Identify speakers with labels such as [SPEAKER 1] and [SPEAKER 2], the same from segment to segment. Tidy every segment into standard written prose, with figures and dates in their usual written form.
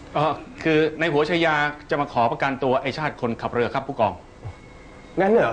[SPEAKER 1] คือในหัวชายาจะมาขอประกันตัวไอชาติคนขับเรือครับผู้กอง
[SPEAKER 2] งั้นเหรอ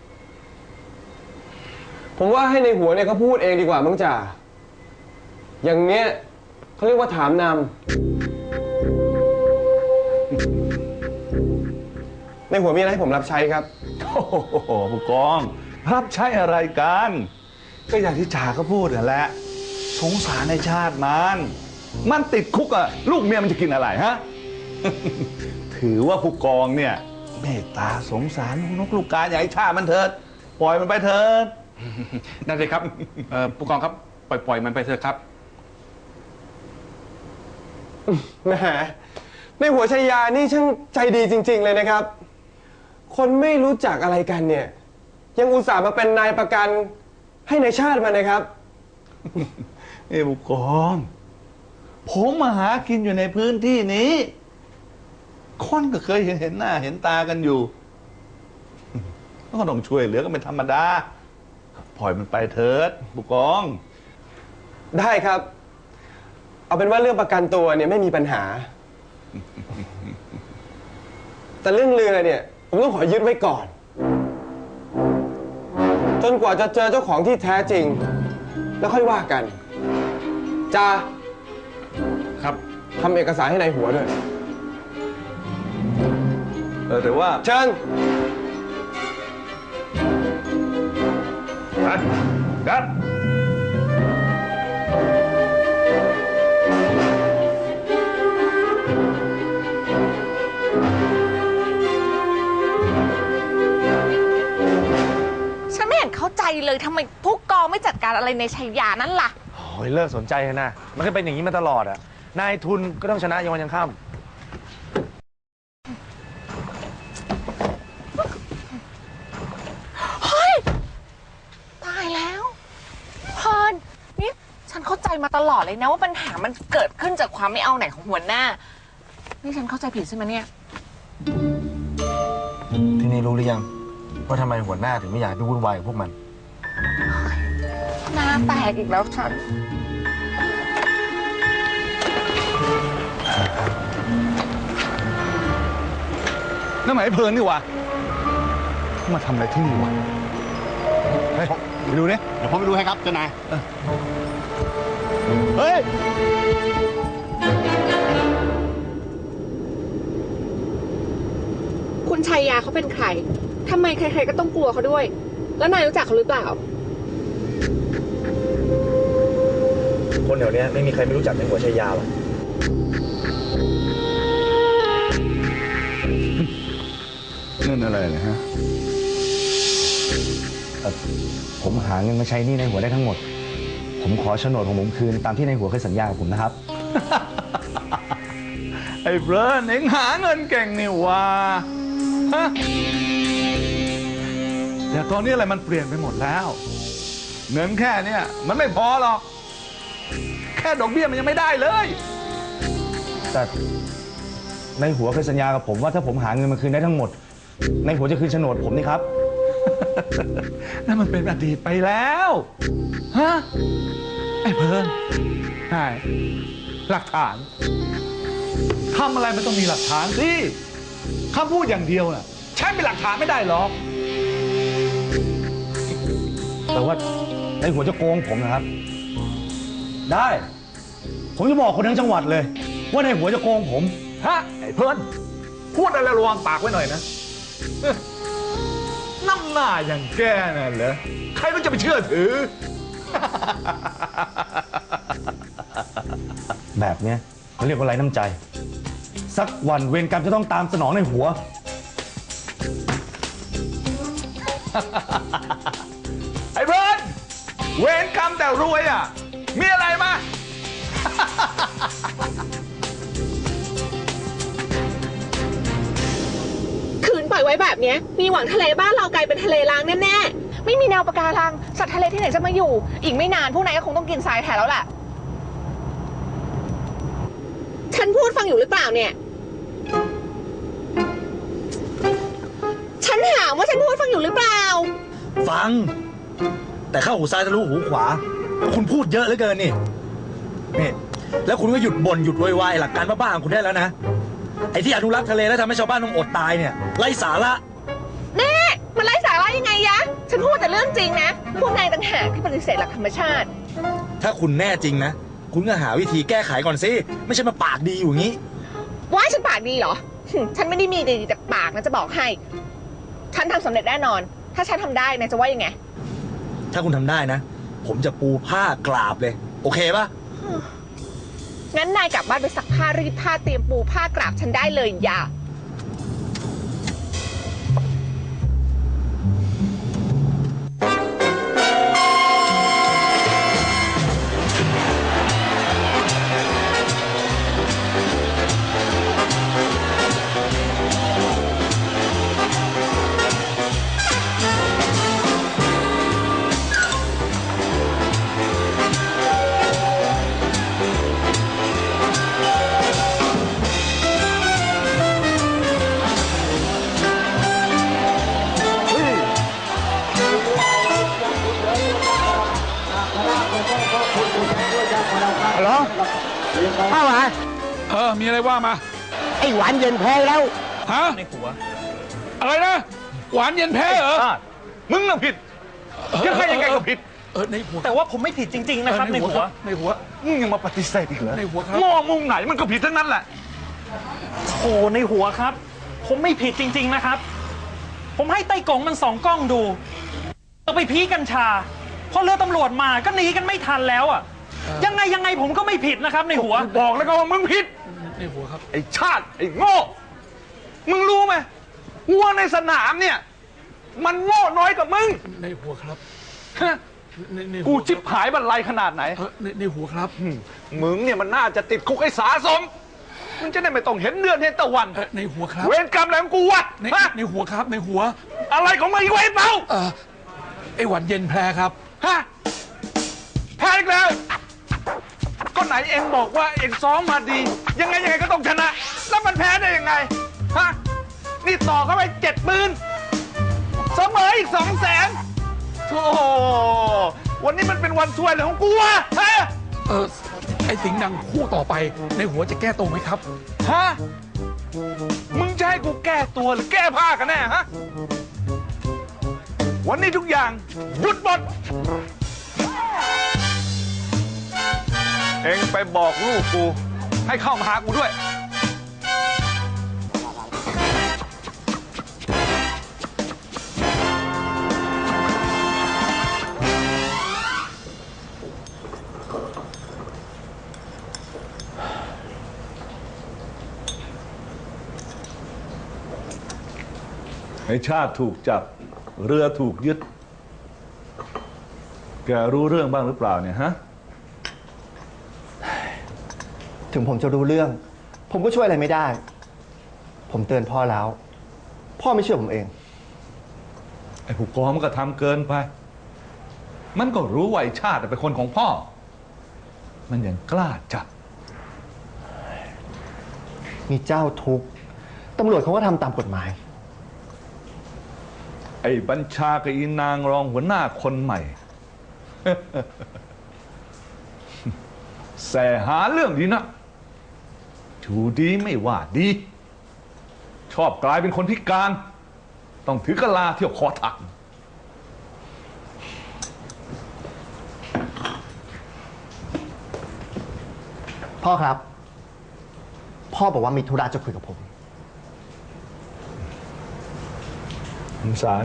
[SPEAKER 2] ผมว่าให้ในหัวเนี่ยเขาพูดเองดีกว่ามั้งจ่าอย่างเนี้ยเขาเรียกว่าถามนำในหัวมีอะไรให้ผมรับใช้ครับ
[SPEAKER 3] โอ้โหผู้กองรับใช้อะไรกันก็อย่างที่จ่าเขาพูดนั่นแหละสงสารในชาติมันติดคุกอะลูกเมียมันจะกินอะไรฮะ ถือว่าผู้กองเนี่ยเมตตาสงสารนกลูกกาอย่าให้ชาติมันเถิดปล่อยมันไปเถิด
[SPEAKER 1] นั่นเลยครับผู้กองครับปล่อยมันไปเถอะครับ
[SPEAKER 2] แหมในหัวชายานี่ช่างใจดีจริงๆเลยนะครับคนไม่รู้จักอะไรกันเนี่ยยังอุตส่าห์มาเป็นนายประกันให้ในชาติมันนะครับ
[SPEAKER 3] ผู้กองผมมาหากินอยู่ในพื้นที่นี้คนก็เคยเห็นหน้าเห็นตากันอยู่ก็ต้องช่วยเหลือกันเป็นธรรมดาปล่อยมันไปเถิดผู้กอง
[SPEAKER 2] ได้ครับเอาเป็นว่าเรื่องประกันตัวเนี่ยไม่มีปัญหาแต่เรื่องเรือเนี่ยผมต้องขอยึดไว้ก่อนจนกว่าจะเจอเจ้าของที่แท้จริงแล้วค่อยว่ากันจ้า
[SPEAKER 1] ครับ
[SPEAKER 2] ทำเอกสารให้ในหัวด้วย
[SPEAKER 3] แต่ว่า
[SPEAKER 2] เชิญ
[SPEAKER 3] ไปกัน
[SPEAKER 4] ฉันไม่เห็นเข้าใจเลยทำไมผู้กองไม่จัดการอะไรในชัยยานั่นล่ะ
[SPEAKER 5] โอ้ยเลิกสนใจนะมันก็เป็นอย่างนี้มาตลอดอะนายทุนก็ต้องชนะยังวันยังค่ำ
[SPEAKER 4] เฮ้ยตายแล้วพรนี่ฉันเข้าใจมาตลอดเลยนะว่าปัญหามันเกิดขึ้นจากความไม่เอาไหนของหัวหน้านี่ฉันเข้าใจผิดใช่ไหมเนี่ย
[SPEAKER 5] ทีนี้รู้หรือยังว่าทำไมหัวหน้าถึงไม่อยากไปวุ่นวายกับพวกมัน
[SPEAKER 4] หน้าแตกอีกแล้วฉัน
[SPEAKER 3] นั่นหมายเพลินนี่วะมาทำอะไรที่นี่วะเฮ้ยไปดูเนี่ย
[SPEAKER 6] เดี๋ยวผมไปดูให้ครับเจ้านาย
[SPEAKER 3] เฮ้ย
[SPEAKER 7] คุณชัยยาเขาเป็นใครทำไมใครๆก็ต้องกลัวเขาด้วยแล้วนายรู้จักเขาหรือเปล่า
[SPEAKER 5] คนแถวนี้ไม่มีใครไม่รู้จักในหัวชัยยาหรอก
[SPEAKER 3] นั่นอะไรนะฮะ
[SPEAKER 5] ผมหาเงินมาใช้หนี้ในหัวได้ทั้งหมดผมขอโฉนดของผมคืนตามที่ในหัวเคยสัญญากับผมนะครับ
[SPEAKER 3] ไอ้เบิร์นเอ็งหาเงินเก่งนี่ว่าฮะแต่ตอนนี้อะไรมันเปลี่ยนไปหมดแล้วเงินแค่เนี้ยมันไม่พอหรอกแค่ดอกเบี้ยมันยังไม่ได้เลย
[SPEAKER 5] แต่ในหัวเคยสัญญากับผมว่าถ้าผมหาเงินมาคืนได้ทั้งหมดในหัวจะคืนโฉนดผมนี่ครับ
[SPEAKER 3] นั่นมันเป็นอดีตไปแล้วฮะไอ้เพิ่นใช่หลักฐานทำอะไรมันต้องมีหลักฐานสิคำพูดอย่างเดียวน่ะใช้เป็นหลักฐานไม่ได้หรอก
[SPEAKER 5] แต่ว่าในหัวจะโกงผมนะครับได้ผมจะบอกคนทั้งจังหวัดเลยว่าในหัวจะโกงผม
[SPEAKER 3] ฮะไอ้เพิ่นพูดอะไรระวังปากไว้หน่อยนะน้ำหน้าอย่างแกน่ะเหรอใครมันจะไปเชื่อถือ
[SPEAKER 5] แบบเนี้ยเขาเรียกว่าไร้น้ำใจสักวันเวรกรรมจะต้องตามสนองในหัว
[SPEAKER 3] ไอ้เบิร์นเวรกรรมแต่รวยอ่ะมีอะไรมา
[SPEAKER 7] คืนปล่อยไว้แบบนี้มีหวังทะเลบ้านเรากลายเป็นทะเลล้างแน่ๆไม่มีแนวปะการังสัตว์ทะเลที่ไหนจะมาอยู่อีกไม่นานพวกนายก็คงต้องกินทรายแทนแล้วแหละฉันพูดฟังอยู่หรือเปล่าเนี่ยฉันถามว่าฉันพูดฟังอยู่หรือเปล่า
[SPEAKER 5] ฟังแต่เข้าหูซ้ายทะลุหูขวาคุณพูดเยอะเหลือเกินนี่แล้วคุณก็หยุดบ่นหยุดโวยวายหลักการบ้าๆของคุณได้แล้วนะ ไอ้ที่อนุรักษ์ทะเลแล้วทำให้ชาวบ้านต้องอดตายเนี่ยไร้สาระ
[SPEAKER 7] แน่มันไร้สาระยังไงยะ ฉันพูดแต่เรื่องจริงนะ พวกนายต่างหากที่ปฏิเสธหลักธรรมชาติ
[SPEAKER 5] ถ้าคุณแน่จริงนะ คุณก็หาวิธีแก้ไขก่อนสิ ไม่ใช่มาปากดีอยู่อย่างนี้
[SPEAKER 7] ว่าฉันปากดีเหรอ ฉันไม่ได้มีดีแต่ปากนะจะบอกให้ ฉันทำสำเร็จแน่นอน ถ้าฉันทำได้นายจะว่ายังไง
[SPEAKER 5] ถ้าคุณทำได้นะ ผมจะปูผ้ากราบเลย โอเคปะ
[SPEAKER 7] งั้นนายกลับบ้านไปซักผ้ารีดผ้าเตรียมปูผ้ากราบฉันได้เลยอย่า
[SPEAKER 6] ฮัลโหลเข้ามา
[SPEAKER 1] มีอะไรว่ามา
[SPEAKER 6] ไอ้หวานเย็นแพ้แล้ว
[SPEAKER 1] ฮะ
[SPEAKER 5] ในหัว
[SPEAKER 1] อะไรนะ หวานเย็นแพ้เหรอ
[SPEAKER 3] มึงน่ะผิดยังไงก็ผิด
[SPEAKER 1] ในหัว
[SPEAKER 5] แต่ว่าผมไม่ผิดจริงๆนะครับในหัว
[SPEAKER 1] ในหัว
[SPEAKER 3] มึงยังมาปฏิเสธอีกเหรอ
[SPEAKER 1] ในหัวครับ
[SPEAKER 3] มองมุมไหนมันก็ผิดทั้งนั้นแหละ
[SPEAKER 8] โอ้ในหัวครับ ผมไม่ผิดจริง ๆนะครับ ผมให้ไต้กงมัน2 กล้องดูเอาไปพีกัญชาพอเรือตำรวจมาก็หนีกันไม่ทันแล้วอ่ะยังไงผมก็ไม่ผิดนะครับในหัว
[SPEAKER 3] บอกแล้วก็ว่ามึงผิด
[SPEAKER 1] ในหัวครับ
[SPEAKER 3] ไอ้ชาติไอ้โง่ มึงรู้ไหมวัวในสนามเนี่ย มันโง่น้อยกว่ามึง
[SPEAKER 1] ในหัวครับ
[SPEAKER 3] ฮะ
[SPEAKER 1] ในหัว
[SPEAKER 3] กูจิบหายบรรลัยขนาดไหน
[SPEAKER 1] ในหัวครับ
[SPEAKER 3] มึงเนี่ยมันน่าจะติดคุกให้สาสม มึงจะได้ไม่ต้องเห็นเดือนเห็นตะวัน
[SPEAKER 1] ในหัวครับ
[SPEAKER 3] เวรกรรมอะไรของกูวะ ฮะ
[SPEAKER 1] ในหัวครับ ในหัว
[SPEAKER 3] อะไรของมึงอีกเว้ยเปล่า
[SPEAKER 1] ไอ้หวานเย็นแพ้ครับ
[SPEAKER 3] ฮะแพ้อีกแล้ว ก็ไหนเองบอกว่าเองซ้อมมาดี ยังไงก็ต้องชนะ แล้วมันแพ้ได้ยังไง ฮะ นี่ต่อเข้าไป70,000เสมออีก200,000โธ่วันนี้มันเป็นวันช่วยเลยของกูวะฮะ
[SPEAKER 1] ไอ้สิงห์ดังคู่ต่อไป ในหัวจะแก้ตัวไหมครับ
[SPEAKER 3] ฮะ มึงจะให้กูแก้ตัวหรือแก้ผ้ากันแน่ฮะ วันนี้ทุกอย่างหยุดหมด เอ็งไปบอกลูกกูให้เข้ามาหากูด้วย
[SPEAKER 9] ไอ้ชาติถูกจับ เรือถูกยึด แกรู้เรื่องบ้างหรือเปล่าเนี่ยฮะ
[SPEAKER 6] ถึงผมจะรู้เรื่อง ผมก็ช่วยอะไรไม่ได้ ผมเตือนพ่อแล้ว พ่อไม่เชื่อผมเอง
[SPEAKER 9] ไอ้ผู้กองมันก็ทำเกินไป มันก็รู้ว่าไอ้ชาติเป็นคนของพ่อ มันยังกล้าจับ
[SPEAKER 6] มีเจ้าทุกข์ตำรวจเขาก็ทำตามกฎหมาย
[SPEAKER 9] ไอ้บัญชากับอีนางรองหัวหน้าคนใหม่ แสหาเรื่องดีนะชูดีไม่ว่าดี ชอบกลายเป็นคนพิการ ต้องถือกะลาเที่ยวคอถัก
[SPEAKER 6] พ่อครับ พ่อบอกว่ามีธุระจะคุยกับผม
[SPEAKER 9] สาร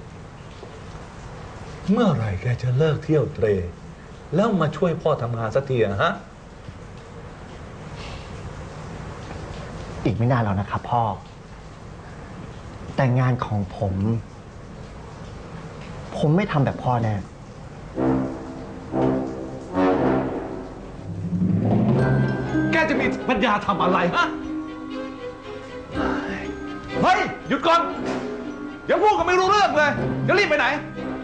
[SPEAKER 9] เมื่อไหร่แกจะเลิกเที่ยวเตร แล้วมาช่วยพ่อทำงานสักทีอะฮะ
[SPEAKER 6] อีกไม่นานแล้วนะครับพ่อ แต่งานของผม ผมไม่ทำแบบพ่อแน่
[SPEAKER 9] แกจะมีปัญญาทำอะไรฮะ เฮ้ย หยุดก่อน อย่าพูดกันไม่รู้เรื่องเลย จะรีบไปไหน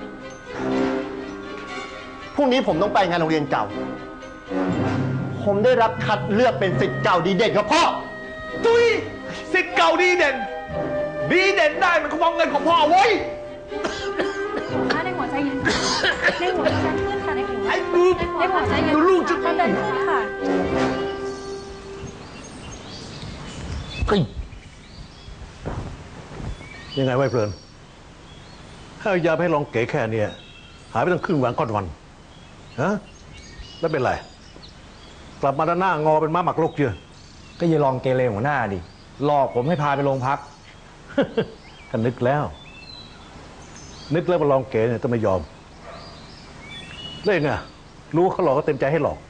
[SPEAKER 6] พรุ่งนี้ผมต้องไปงานโรงเรียนเก่า ผมได้รับคัดเลือกเป็นศิษย์เก่าดีเด่นครับพ่อ
[SPEAKER 3] ตุยสิทธิ์เก่าดีเด่น ดีเด่นได้มันก็มองเงินของพ่อเว้ย
[SPEAKER 10] ในหัวใจเย็นในหัวใจขึ้นค่ะในหัว
[SPEAKER 3] ไอ้
[SPEAKER 9] ดูลูกจะ
[SPEAKER 5] ยังไงไว้เพลินถ้าเอายาไปให้ลองเก๋แค่เนี้ยหายไปตั้งครึ่งวันก้อนวันฮะแล้วเป็นไร กลับมาด้านหน้างอเป็นม้าหมักลกเยอะ
[SPEAKER 10] ก็อย่าลองเกเรหัวหน้าดิหลอกผมให้พาไปโรงพัก
[SPEAKER 5] ก็นึกแล้ว นึกแล้วว่าลองเก๋เนี่ยต้องไม่ยอมเล่นไงรู้ว่าเขาหลอกก็เต็มใจให้หลอก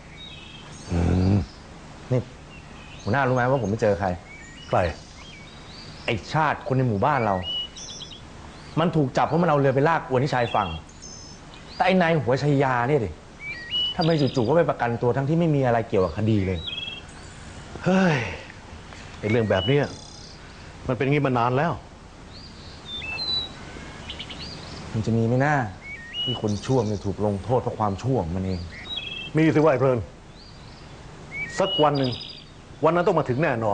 [SPEAKER 10] นี่หัวหน้ารู้ไหมว่าผมไปเจอใคร
[SPEAKER 5] ใคร
[SPEAKER 10] ไอชาติคนในหมู่บ้านเรา มันถูกจับเพราะมันเอาเรือไปลากอวนที่ชายฝั่ง แต่ไอ้นายหัวชัยยาเนี่ยดิทำไมจู่ๆก็ไปประกันตัวทั้งที่ไม่มีอะไรเกี่ยวกับคดีเลย
[SPEAKER 5] เฮ้ยไอ้เรื่องแบบเนี้ยมันเป็นงี้มานานแล้ว
[SPEAKER 10] มันจะมีไหมหน้าที่คนชั่วจะถูกลงโทษเพราะความชั่วของมันเอง
[SPEAKER 5] มีสิว่าไอ้เพลิน สักวันหนึ่งวันนั้นต้องมาถึงแน่นอน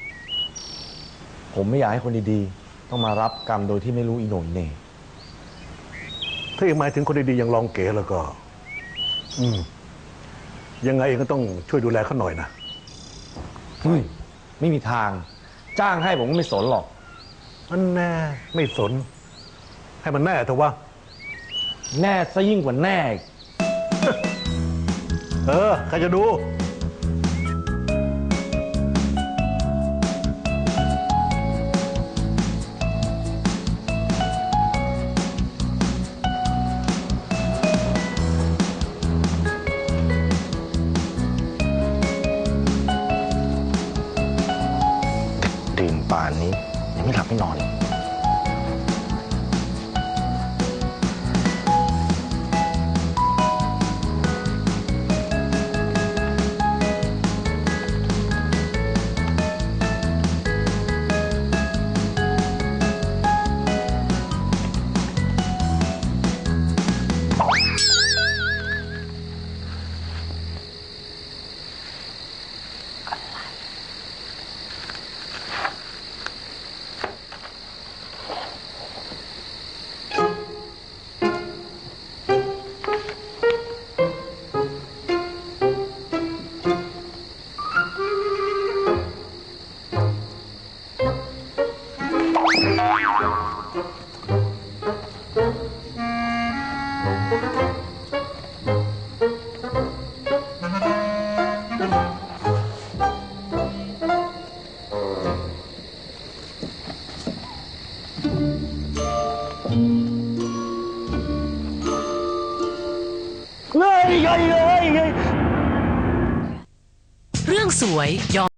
[SPEAKER 10] ผมไม่อยากให้คนดีๆ ต้องมารับกรรมโดยที่ไม่รู้อีโหน่อีเหน่
[SPEAKER 5] ถ้ายังหมายถึงคนดีๆอย่างลองเก๋แล้วก็ ยังไงเองก็ต้องช่วยดูแลเขาหน่อยนะ
[SPEAKER 10] ไม่มีทาง จ้างให้ผมก็ไม่สนหรอก
[SPEAKER 5] อันแน่ไม่สน ให้มันแน่เถอะวะ
[SPEAKER 10] แน่ซะยิ่งกว่าแน่อีก
[SPEAKER 5] ใครจะดู
[SPEAKER 10] ดื่มป่านนี้ยังไม่หลับไม่นอน
[SPEAKER 11] เรื่องสวยยอม